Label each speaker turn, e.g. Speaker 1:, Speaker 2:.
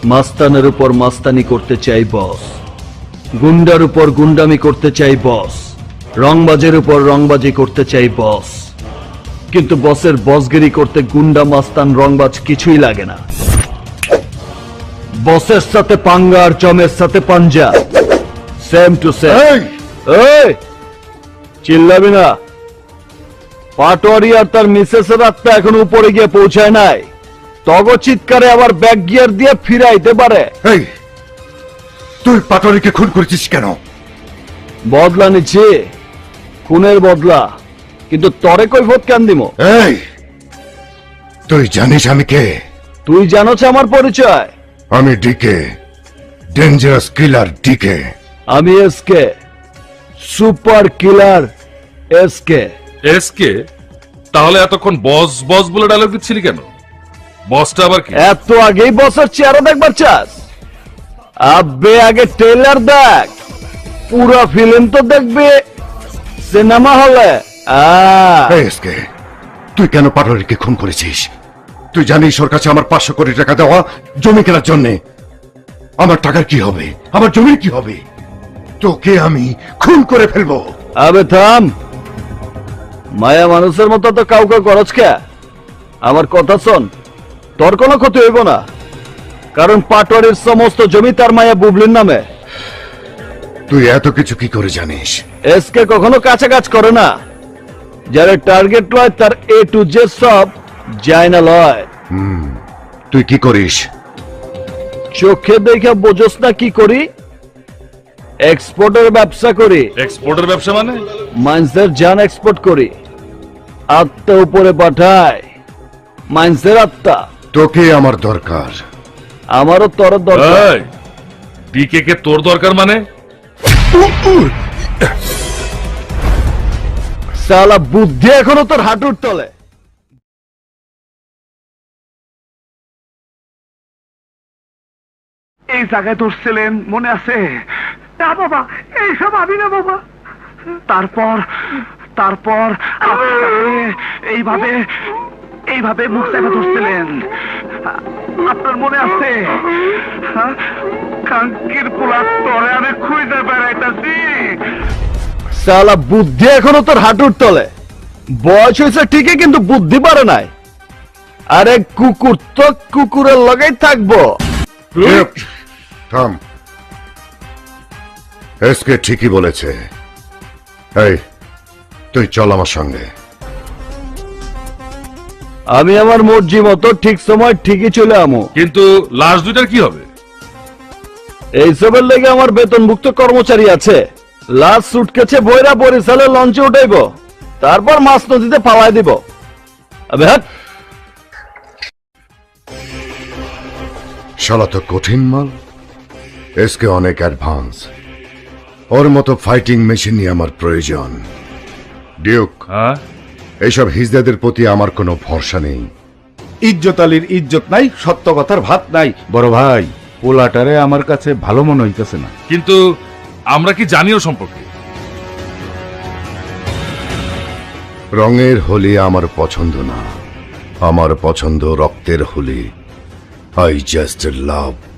Speaker 1: মাস্তানের উপর মাস্তানি করতে চাই বস, গুন্ডার উপর গুন্ডামি করতে চাই বস, রংবাজের উপর রংবাজি করতে চাই বস। কিন্তু বসের বসগিরি করতে গুন্ডা মাস্তান রংবাজ কিছুই লাগে না। বসের সাথে পাঙ্গা আর চমের সাথে পাঞ্জা, সেম টু সেম। এই চিল্লাবি না। পাটোয়ারি আর তার মিসেসের আত্মা এখন উপরে গিয়ে পৌঁছায় নাই। তগ চিৎকারে আবার ব্যাক গিয়ার দিয়ে ফিরাইতে পারে।
Speaker 2: এই তুই পাটোয়ারিকে খুন করেছিস কেন?
Speaker 1: বদলা নিচ্ছি, খুনের বদলা। কিন্তু তরে কৈফত কেন দিমো?
Speaker 2: এই তুই জানিস আমি কে?
Speaker 1: তুই জানোছ আমার পরিচয়?
Speaker 2: আমি ডিকে, ডেঞ্জারাস কিলার ডিকে।
Speaker 1: আমি S K, super killer S K.
Speaker 3: S K? তাহলে এতক্ষণ বস বস বলে ডায়লগ দিচ্ছিলি কেন? বসটা আবার কি?
Speaker 1: এত আগেই বসের চেহারা দেখবার চাস? আবে আগে ট্রেলার দেখ, পুরো ফিল্ম তো দেখবে সিনেমা হলে।
Speaker 2: এই এসকে, তুই কেন পাটোয়ারিকে খুন করেছিস? তুই জানিস ওর কাছে আমার 500 কোটি টাকা দেওয়া জমি কেনার জন্য। আমার টাকার কি হবে? আমার জমির কি হবে? তোকে আমি খুন করে ফেলবো।
Speaker 1: আবে থাম, মায়া মানুষের মতো তো কাউকে করছ কে? আমার কথা শোন, তোর কোনো ক্ষতি হইব না, কারণ পাটোয়ারির সমস্ত জমি তার মায়া বুবলির নামে।
Speaker 2: তুই এত কিছু কি করে জানিস?
Speaker 1: এসকে কখনো কাছে কাজ করে না। যারা টার্গেট লয় তার এ টু জেড সব যায় না লয়।
Speaker 2: তুই কি করিস?
Speaker 1: চোখে দেখে বোঝস না কি করি? এক্সপোর্টের ব্যবসা করি।
Speaker 3: এক্সপোর্টের ব্যবসা মানে?
Speaker 1: মাইন্সের জান এক্সপোর্ট করি, আত্মা উপরে পাঠায়। মাইন্সের আত্মা।
Speaker 2: তোকে আমার দরকার।
Speaker 1: আমারও তোর দরকার।
Speaker 3: ডিকে কে তোর দরকার মানে?
Speaker 1: সালা বুদ্ধি এখনো তোর হাঁটুর তলে।
Speaker 4: এই জায়গায় ধরছিলেন মনে আছে? না বাবা, এইসব আমি না বাবা। তারপর তারপর এইভাবে এইভাবে মুখ চাপা ধরছিলেন, আপনার মনে আছে? কাঙ্কির পোলা তরে আমি খুঁজে বেড়াইতাছি।
Speaker 1: সালা বুদ্ধি এখনো তোর হাঁটুর তলে। বয়স হয়েছে ঠিকই, কিন্তু বুদ্ধি পারে নাই। আরে কুকুর তো কুকুরের লগেই থাকবো।
Speaker 2: থাম। এসকে ঠিকই বলেছে। এই তুই চল আমার সঙ্গে।
Speaker 1: আমি আমার মর্জি মতো ঠিক সময় ঠিকই চলে আমো।
Speaker 3: কিন্তু লাশ দুইটার কি হবে?
Speaker 1: এইসবের লেগে আমার বেতনভুক্ত কর্মচারী আছে। লাশ সুটকেছে বইরা বরিশালে লঞ্চে উঠাইব, তারপর মাছ নদীতে ফালাই দিব। আবে হাট।
Speaker 2: শালা তো কঠিন মাল। এসকে অনেক অ্যাডভান্স। ওর মতো ফাইটিং মেশিনই আমার প্রয়োজন। ডিউক,
Speaker 3: হ্যাঁ?
Speaker 2: এইসব হিজদাদের প্রতি আমার কোনো ভরসা নেই।
Speaker 5: ইজ্জত আলীর ইজ্জত নাই, সত্য কথার ভাত নাই। বড় ভাই, পোলাটারে আমার কাছে ভালো মনে হইতেছে না।
Speaker 3: কিন্তু আমরা কি জানিও সম্পর্কে?
Speaker 2: রঙের হোলি আমার পছন্দ না, আমার পছন্দ রক্তের হোলি। I just love